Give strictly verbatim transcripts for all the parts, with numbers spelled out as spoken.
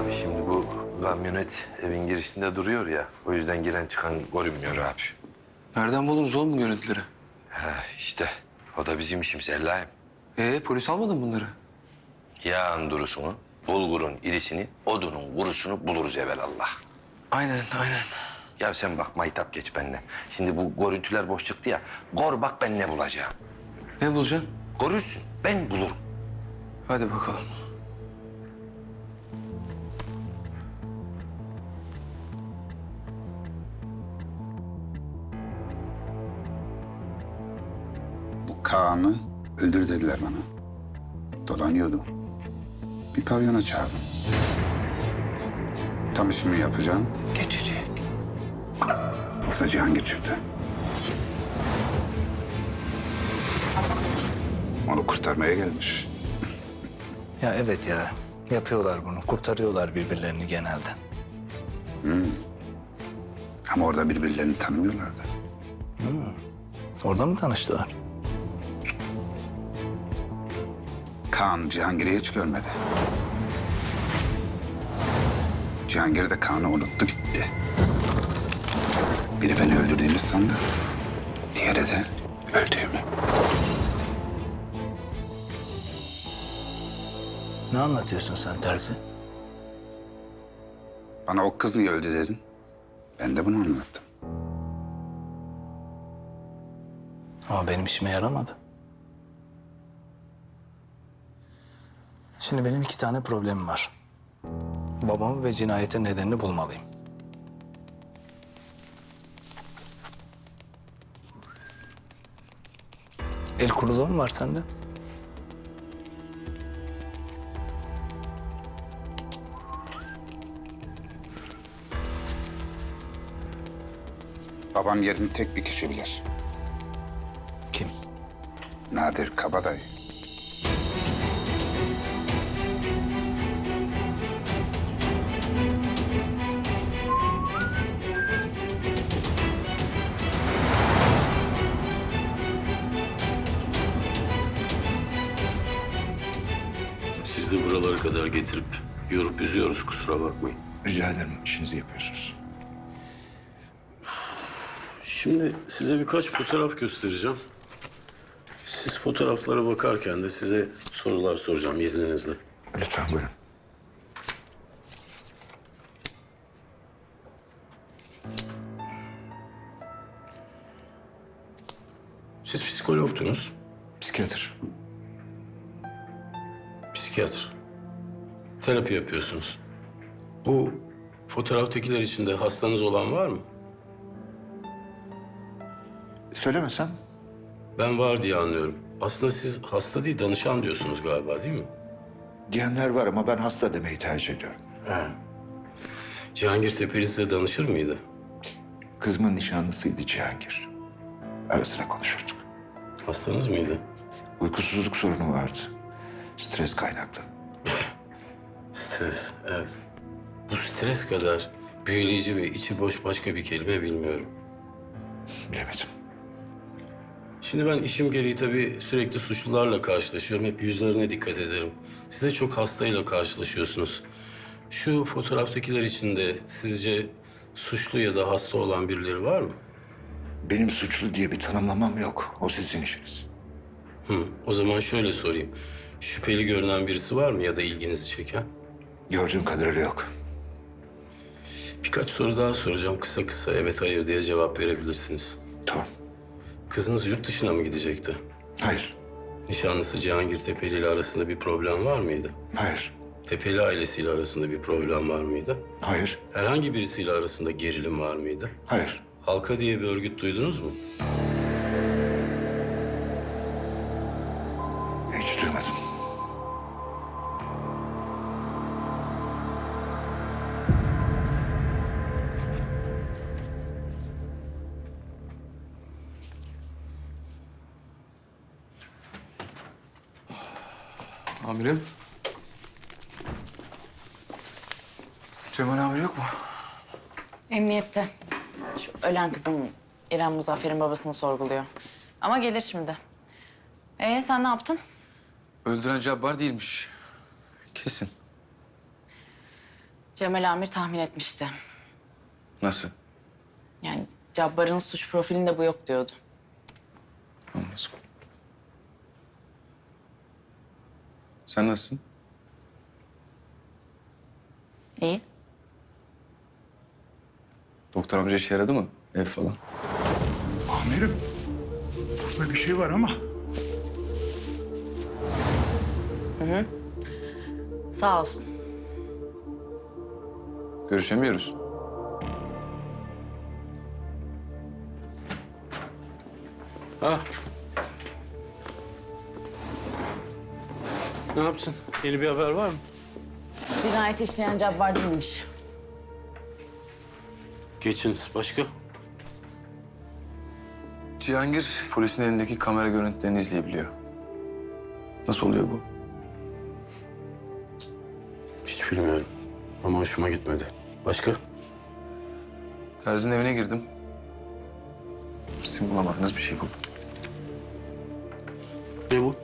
Abi şimdi bu kamyonet evin girişinde duruyor ya. O yüzden giren çıkan görünmüyor abi. Nereden buldunuz oğlum bu görüntüleri? Ha işte o da bizim işimiz Allah'ım. Ee polis almadın bunları? Yağın durusunu, bulgurun irisini, odunun kurusunu buluruz evvelallah. Aynen aynen. Ya sen bak maytap geç benimle. Şimdi bu görüntüler boş çıktı ya. Gor bak ben ne bulacağım. Ne bulacaksın? Görürsün ben bulurum. Hadi bakalım. Bu Kaan'ı öldür dediler bana. Dolanıyordu. Bir pavyona çağırdım. Tam işimi yapacağım. Geçecek. Orada Cihangir çıktı. Onu kurtarmaya gelmiş. Ya evet ya. Yapıyorlar bunu. Kurtarıyorlar birbirlerini genelde. Ama orada birbirlerini tanımıyorlardı. Orada mı tanıştılar? Kaan Cihangir'i hiç görmedi. Cihangir de Kaan'ı unuttu gitti. Biri beni öldürdüğümü sandı. Diğeri de öldüğümü. Ne anlatıyorsun sen Terzi? Bana o kız niye öldü dedin. Ben de bunu anlattım. Ama benim işime yaramadı. Şimdi benim iki tane problemim var. Babamı ve cinayetin nedenini bulmalıyım. El kuruluğu mu var sende? Babam yerini tek bir kişi bilir. Kim? Nadir Kabadayı. Sizi buralara kadar getirip yorup üzüyoruz, kusura bakmayın. Rica ederim, işinizi yapıyorsunuz. Şimdi size birkaç fotoğraf göstereceğim. Siz fotoğraflara bakarken de size sorular soracağım izninizle. Lütfen buyurun. Siz psikologdunuz, Psikiyatr. psikiyatr. Terapi yapıyorsunuz. Bu fotoğraftakiler içinde hastanız olan var mı? Söylemesem? Ben var diye anlıyorum. Aslında siz hasta değil, danışan diyorsunuz galiba değil mi? Diyenler var ama ben hasta demeyi tercih ediyorum. Cihangir Tepeli size danışır mıydı? Kızımın nişanlısıydı Cihangir. Ara sıra konuşurduk. Hastanız mıydı? Uykusuzluk sorunu vardı. Stres kaynaklı. Stres, evet. Bu stres kadar büyüleyici ve içi boş başka bir kelime bilmiyorum. Bilemedim. Şimdi ben işim gereği tabii sürekli suçlularla karşılaşıyorum. Hep yüzlerine dikkat ederim. Siz de çok hastayla karşılaşıyorsunuz. Şu fotoğraftakiler içinde sizce suçlu ya da hasta olan birileri var mı? Benim suçlu diye bir tanımlamam yok. O sizin işiniz. Hı, o zaman şöyle sorayım. Şüpheli görünen birisi var mı ya da ilginizi çeken? Gördüğüm kadarıyla yok. Birkaç soru daha soracağım. Kısa kısa evet hayır diye cevap verebilirsiniz. Tamam. Kızınız yurt dışına mı gidecekti? Hayır. Nişanlısı Cihangir Tepeli ile arasında bir problem var mıydı? Hayır. Tepeli ailesiyle arasında bir problem var mıydı? Hayır. Herhangi birisiyle arasında gerilim var mıydı? Hayır. Halka diye bir örgüt duydunuz mu? Hiç duymadım. Amirim. Cemal amir yok mu? Emniyette. Şu ölen kızın İrem Muzaffer'in babasını sorguluyor. Ama gelir şimdi. Ee sen ne yaptın? Öldüren Cabbar değilmiş. Kesin. Cemal Amir tahmin etmişti. Nasıl? Yani Cabbar'ın suç profilinde bu yok diyordu. Anladım. Sen nasılsın? İyi. Doktor amca işe yaradı mı? Ev falan. Amirim, burada bir şey var ama Sağ olsun. Görüşemiyoruz. Ha. Ne yaptın? Yeni bir haber var mı? Cinayet işleyen Cabbar değilmiş. Geçiniz. Başka? Cihangir polisin elindeki kamera görüntülerini izleyebiliyor. Nasıl oluyor bu? Hiç bilmiyorum. Ama hoşuma gitmedi. Başka? Terzi'nin evine girdim. Sizin bulamadığınız bir şey buldum. Ne bu?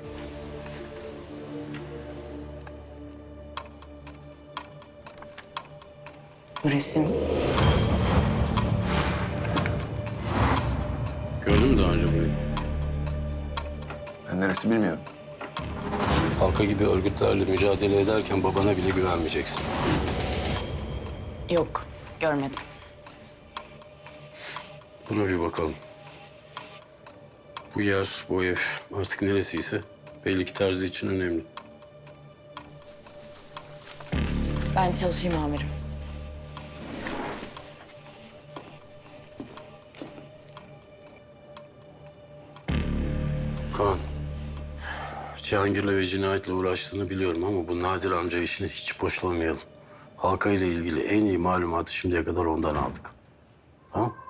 Bu resim. Gördün mü daha önce burayı? Ben neresi bilmiyorum. Halka gibi örgütlerle mücadele ederken babana bile güvenmeyeceksin. Yok, görmedim. Buna bir bakalım. Bu yer, bu ev artık neresiyse belli ki Terzi için önemli. Ben çalışayım amirim. Kaan, Cihangir'le ve cinayetle uğraştığını biliyorum ama bu Nadir amca işini hiç boşlamayalım. Halka ile ilgili en iyi malumatı şimdiye kadar ondan aldık. Tamam?